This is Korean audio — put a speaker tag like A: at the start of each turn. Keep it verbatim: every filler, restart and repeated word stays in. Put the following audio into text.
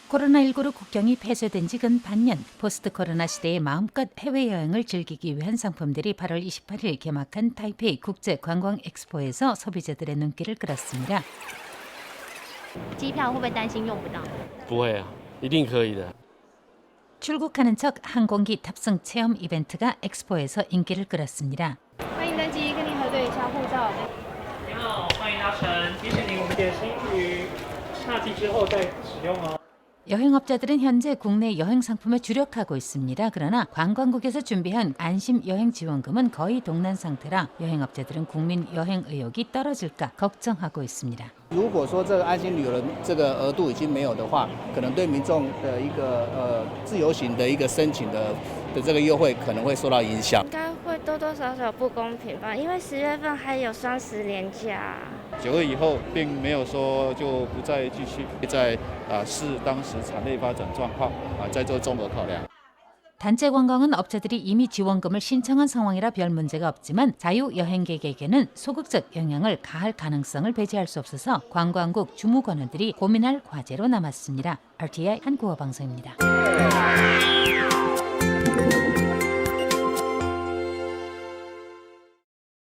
A: 코로나십구로 국경이 폐쇄된 지 근 반년, 포스트 코로나 시대에 마음껏 해외여행을 즐기기 위한 상품들이 팔월 이십팔일 개막한 타이페이 국제관광 엑스포에서 소비자들의 눈길을 끌었습니다.
B: 机票会不会担心用不到？
C: 不会啊，一定可以的。
A: 출국하는 척 항공기 탑승 체험 이벤트가 엑스포에서 인기를 끌었습니다.
B: 欢迎登机，跟您核对一下护照。
D: 您好，欢迎搭乘迪士尼，我们点心于夏季之后再使用哦。
A: 여행업자들은 현재 국내 여행 상품에 주력하고 있습니다. 그러나 관광국에서 준비한 안심 여행 지원금은 거의 동난 상태라 여행업자들은 국민 여행 의욕이 떨어질까 걱정하고 있습니다.
E: 如果说这个安心旅游的这个额度已经没有的话，可能对民众的一个呃自由行的一个申请的的这个优惠可能会受到影响。
F: 应该会多多少少不公平吧，因为十月份还有双十连假。
G: 九月以后，并没有说就不再继续在啊视当时产业发展状况啊再做综合考量。
A: 단체 관광은 업자들이 이미 지원금을 신청한 상황이라 별 문제가 없지만 자유여행객에게는 소극적 영향을 가할 가능성을 배제할 수 없어서 관광국 주무관원들이 고민할 과제로 남았습니다. 알티아이 한국어 방송입니다.